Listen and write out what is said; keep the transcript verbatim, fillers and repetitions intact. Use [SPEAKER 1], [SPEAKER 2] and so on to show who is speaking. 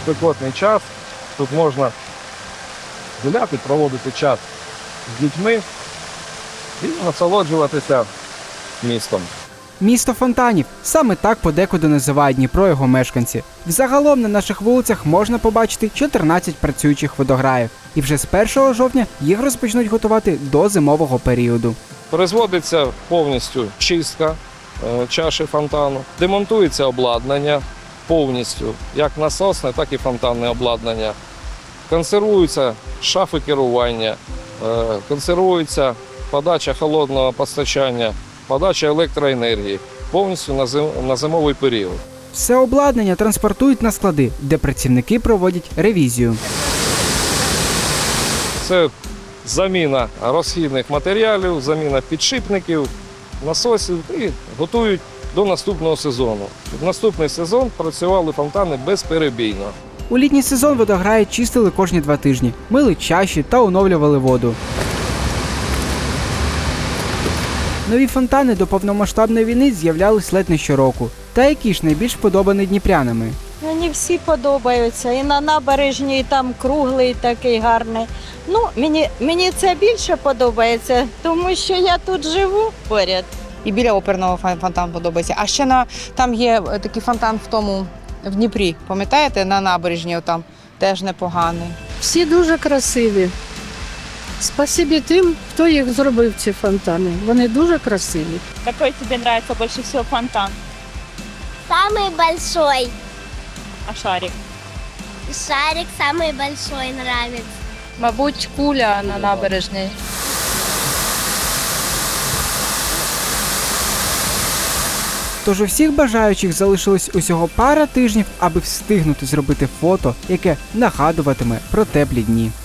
[SPEAKER 1] спекотний час. Тут можна гуляти, проводити час з дітьми і насолоджуватися містом.
[SPEAKER 2] Місто фонтанів – саме так подекуди називають Дніпро його мешканці. Взагалом на наших вулицях можна побачити чотирнадцять працюючих водограїв. І вже з першого жовтня їх розпочнуть готувати до зимового періоду.
[SPEAKER 1] Производиться повністю чистка е, чаші фонтану, демонтується обладнання повністю, як насосне, так і фонтанне обладнання. Консервуються шафи керування, е, консервується подача холодного постачання, подача електроенергії повністю на, зим, на зимовий період.
[SPEAKER 2] Все обладнання транспортують на склади, де працівники проводять ревізію.
[SPEAKER 1] Це заміна розхідних матеріалів, заміна підшипників, насосів і готують до наступного сезону. В наступний сезон працювали фонтани безперебійно.
[SPEAKER 2] У літній сезон водограї чистили кожні два тижні, мили чаші та оновлювали воду. Нові фонтани до повномасштабної війни з'являлись ледь не щороку. Та які ж найбільш подобані дніпрянами?
[SPEAKER 3] Мені всі подобаються. І на набережній, і там круглий такий гарний. Ну, мені, мені це більше подобається, тому що я тут живу поряд.
[SPEAKER 4] І біля оперного фон- фонтан подобається. А ще на, там є е, такий фонтан в тому, в Дніпрі, пам'ятаєте, на набережні там теж непоганий.
[SPEAKER 5] Всі дуже красиві. Спасибі тим, хто їх зробив, ці фонтани. Вони дуже красиві.
[SPEAKER 6] Какой тебе нравится больше всего фонтан?
[SPEAKER 7] Самый большой.
[SPEAKER 6] А шарик?
[SPEAKER 7] Шарик самый большой нравится.
[SPEAKER 8] Мабуть, куля на набережній.
[SPEAKER 2] Тож у всіх бажаючих залишилось усього пара тижнів, аби встигнути зробити фото, яке нагадуватиме про теплі дні.